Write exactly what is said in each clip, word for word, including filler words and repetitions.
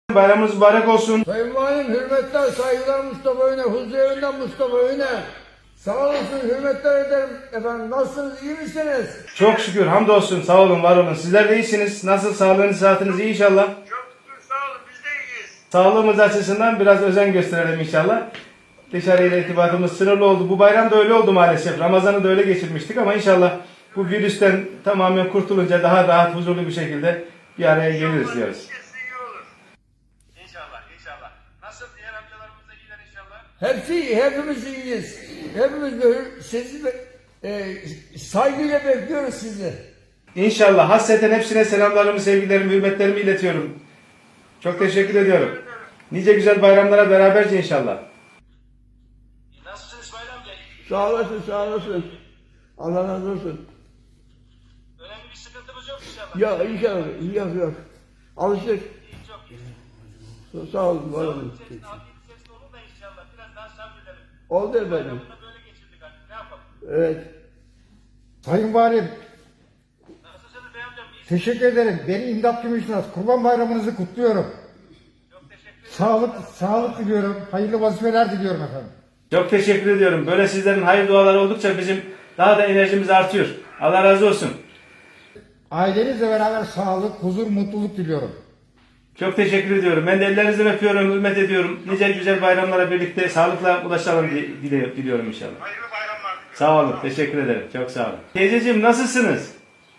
Bayramınız mübarek olsun. Sayın Valim, hürmetler, saygılar Mustafa Öne, huzur evinden Mustafa Öne. Sağ olasın, hürmetler ederim efendim. Nasılsınız, iyi misiniz? Çok şükür, hamdolsun. Sağ olun, var olun. Sizler de iyisiniz. Nasıl, sağlığınız, sıhhatiniz iyi inşallah? Çok şükür, sağ olun, biz de iyiyiz. Sağlığımız açısından biraz özen gösterelim inşallah. Dışarıyla irtibatımız sınırlı oldu. Bu bayram da öyle oldu maalesef. Ramazan'ı da öyle geçirmiştik ama inşallah bu virüsten tamamen kurtulunca daha rahat, huzurlu bir şekilde bir araya geliriz diyoruz. Herkes iyi olur. İnşallah, inşallah. Nasıl, diğer amcalarımız da iyiler inşallah? Hepsi iyi, hepimiz iyiyiz. Hepimiz böyle sizi be- e, saygıyla bekliyoruz sizi. İnşallah. Hasreten hepsine selamlarımı, sevgilerimi, hürmetlerimi iletiyorum. Çok teşekkür ediyorum. Nice güzel bayramlara beraberce inşallah. Nasılsın İsmail amca? Sağ olasın, sağ olasın. Allah razı olsun. Önemli bir sıkıntımız yok inşallah. Ya inşallah, yok yok. Alıştık. İyi, çok iyi. Sağ olun, var olun. İçerisinde, afiyet içerisinde olur da inşallah. Biraz daha sabredelim. Oldu efendim. Bunu da böyle geçirdik artık. Ne yapalım? Evet. Sayın Valim, Nasılsınız bey amcam? İyi. teşekkür ederim. Beni İmdat Gümüşnaz, Kurban Bayramınızı kutluyorum. Çok teşekkür ederim. Sağlık, sağlık diliyorum. Hayırlı vazifeler diliyorum efendim. Çok teşekkür ediyorum. Böyle sizlerin hayır duaları oldukça bizim daha da enerjimiz artıyor. Allah razı olsun. Ailenizle beraber sağlık, huzur, mutluluk diliyorum. Çok teşekkür ediyorum. Ben de ellerinizden öpüyorum, hürmet ediyorum. Nice güzel bayramlara birlikte sağlıkla ulaşalım diye dile- diliyorum inşallah. Hayırlı bayramlar. Sağ olun, teşekkür ederim. Çok sağ olun. Teyzeciğim nasılsınız?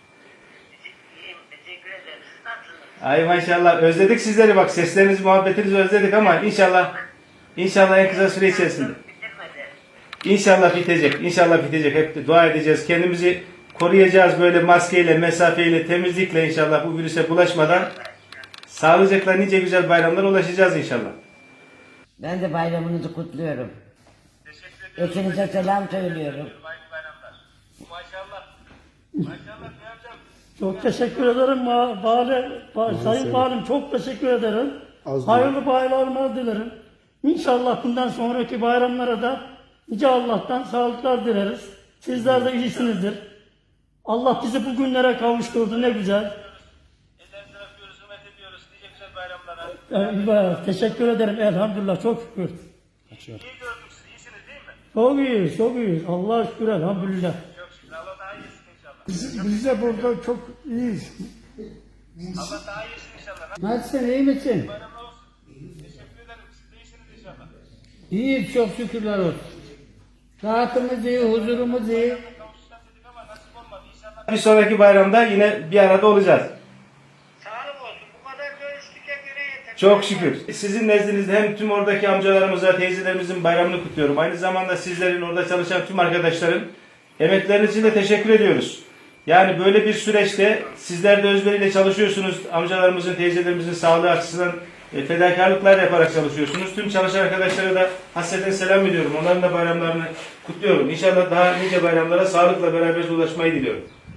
İyiyim, teşekkür ederim. Siz nasılsınız? Ay maşallah özledik sizleri bak seslerinizi, muhabbetinizi özledik ama inşallah inşallah en kısa süre içerisinde. Bitirmedi. İnşallah bitecek. İnşallah bitecek. Hep de dua edeceğiz. Kendimizi koruyacağız böyle maskeyle, mesafeyle, temizlikle inşallah bu virüse bulaşmadan sağlıcakla nice güzel bayramlara ulaşacağız inşallah. Ben de bayramınızı kutluyorum. Teşekkür ederim. Hepinize selam söylüyorum. Hayırlı bayramlar. Maşallah. Maşallah bey amcam. Çok teşekkür ederim ma- Bale, ba- Sayın Valim, çok teşekkür ederim. Hayırlı bayramlar dilerim. İnşallah bundan sonraki bayramlara da Yüce Allah'tan sağlıklar dileriz. Sizler de iyisinizdir. Allah bizi bu günlere kavuşturdu, ne güzel. Ellerinizden öpüyoruz, hürmet ediyoruz. Nice güzel bayramlara. Ee, teşekkür ederim elhamdülillah, çok şükür. İyi gördük sizi. İyisiniz değil mi? Çok iyiyiz, çok iyiyiz. Allah'a şükür elhamdülillah. Çok şükür. Allah daha iyisin inşallah. Biz, biz de burada çok iyiyiz. Allah daha iyisin inşallah. Nasılsın, iyi misin? Bayramlar olsun. Teşekkür ederim. Siz de iyisiniz inşallah. İyiyiz, çok şükürler olsun. Rahatımız iyi, huzurumuz iyi. Kavuşacağız dedik ama nasip olmadı. İnşallah Bir sonraki bayramda yine bir arada olacağız. sağlık olsun. Bu kadar görüştük hep yine yeter. Çok şükür. Sizin nezdinizde hem tüm oradaki amcalarımıza, teyzelerimizin bayramını kutluyorum. Aynı zamanda sizlerin orada çalışan tüm arkadaşların emekleriniz için de teşekkür ediyoruz. Yani böyle bir süreçte sizler de özveriyle çalışıyorsunuz. Amcalarımızın, teyzelerimizin sağlığı açısından e, fedakarlıklar yaparak çalışıyorsunuz. Tüm çalışan arkadaşlara da hasreten selam ediyorum. Onların da bayramlarını kutluyorum. İnşallah daha nice bayramlara sağlıkla beraber ulaşmayı diliyorum.